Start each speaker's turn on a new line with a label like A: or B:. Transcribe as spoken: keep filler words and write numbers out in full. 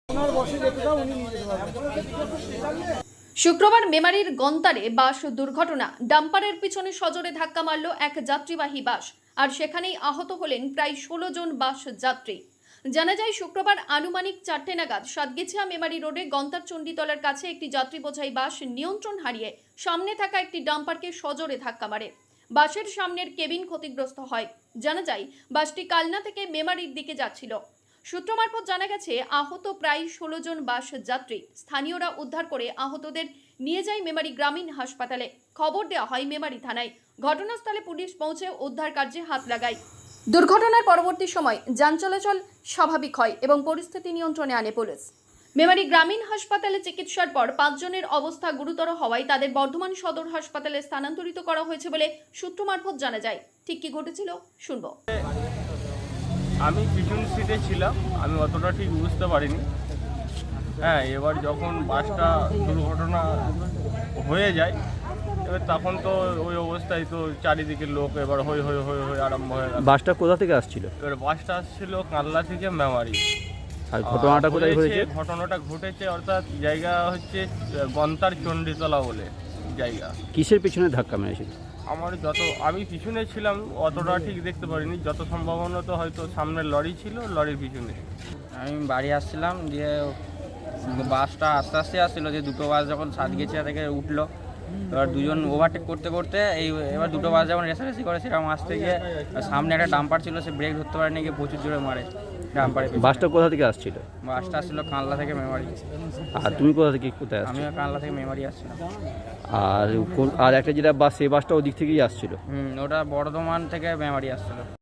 A: শুক্রবার মেমারির গন্তারে বাস দুর্ঘটনা। ডাম্পারের পিছনে সজোরে ধাক্কা মারল এক যাত্রীবাহী বাস, আর সেখানেই আহত হলেন প্রায় ষোলো জন বাস যাত্রী। জানা যায়, শুক্রবার আনুমানিক চারটে নাগাদ সাতগেছিয়া মেমারি রোডে গন্তার চণ্ডীতলার কাছে একটি যাত্রী বোঝাই বাস নিয়ন্ত্রণ হারিয়ে সামনে থাকা একটি ডাম্পারকে সজোরে ধাক্কা মারে। বাসের সামনের কেবিন ক্ষতিগ্রস্ত হয়। জানা যায়, বাসটি কালনা থেকে মেমারির দিকে যাচ্ছিল। সূত্র মারফত জানা গেছে, আহত প্রায় ষোলো জন বাস যাত্রী। স্থানীয়রা উদ্ধার করে আহতদের নিয়ে যায় মেমারি গ্রামীণ হাসপাতালে। খবর দেওয়া হয় মেমারি থানায়। ঘটনাস্থলে পুলিশ পৌঁছে উদ্ধার কার্যে হাত লাগায়। দুর্ঘটনার পরবর্তী সময় যান চলাচল স্বাভাবিক হয় এবং পরিস্থিতি নিয়ন্ত্রণে আনে পুলিশ। মেমারি গ্রামীণ হাসপাতালে চিকিৎসার পর পাঁচজনের অবস্থা গুরুতর হওয়ায় তাদের বর্ধমান সদর হাসপাতালে স্থানান্তরিত করা হয়েছে বলে সূত্র মারফত জানা যায়। ঠিক কি ঘটেছিল শুনবো।
B: আমি পিছন সিটে ছিলাম, আমি অতটা ঠিক বুঝতে পারিনি। হ্যাঁ, এবার যখন বাসটা দুর্ঘটনা হয়ে যায়, এবার তখন তো ওই অবস্থায় তো চারিদিকে লোক এবার হই হই হই হই আরম্ভ হয়ে গেল।
C: বাসটা কোথা থেকে আসছিল?
B: এবার বাসটা আসছিল কালনা থেকে মেমারি।
C: আর ঘটনাটা কোথায় ঘটেছে?
B: ঘটনাটা ঘটেছে অর্থাৎ জায়গা হচ্ছে গন্তার চণ্ডীতলা বলে জায়গা।
C: কিসের পিছনে ধাক্কা মেরেছিল?
B: আমার যত আমি পিছনে ছিলাম অতটা ঠিক দেখতে পারিনি, যত সম্ভাবনত হয়তো সামনে লরি ছিল, লরির পিছনে।
D: আমি বাড়ি আসছিলাম, দিয়ে বাসটা আস্তে আস্তে আসছিলো, যে দুটো বাস যখন সাতগেছিয়া থেকে উঠলো, এবার দুজন ওভারটেক করতে করতে এই এবার দুটো বাস যখন রেসারেসি করে সেরকম আসতে গিয়ে সামনে একটা ডাম্পার ছিল, সে ব্রেক ধরতে পারেনি, গিয়ে প্রচুর জোরে মারে ডাম্পারে।
C: বাসটা কোথা থেকে আসছিল?
D: বাসটা আসছিলো কানলা থেকে মেমারি।
C: আর তুমি কোথা থেকে কোথায় আসছো?
D: আমিও কানলা থেকে মেমারি আসছিলাম।
C: আর কোন- আর একটা যেটা বাস, সেই বাসটা ওদিক থেকেই আসছিল?
D: হুম ওটা বর্ধমান থেকে মেমারি আসছিলো।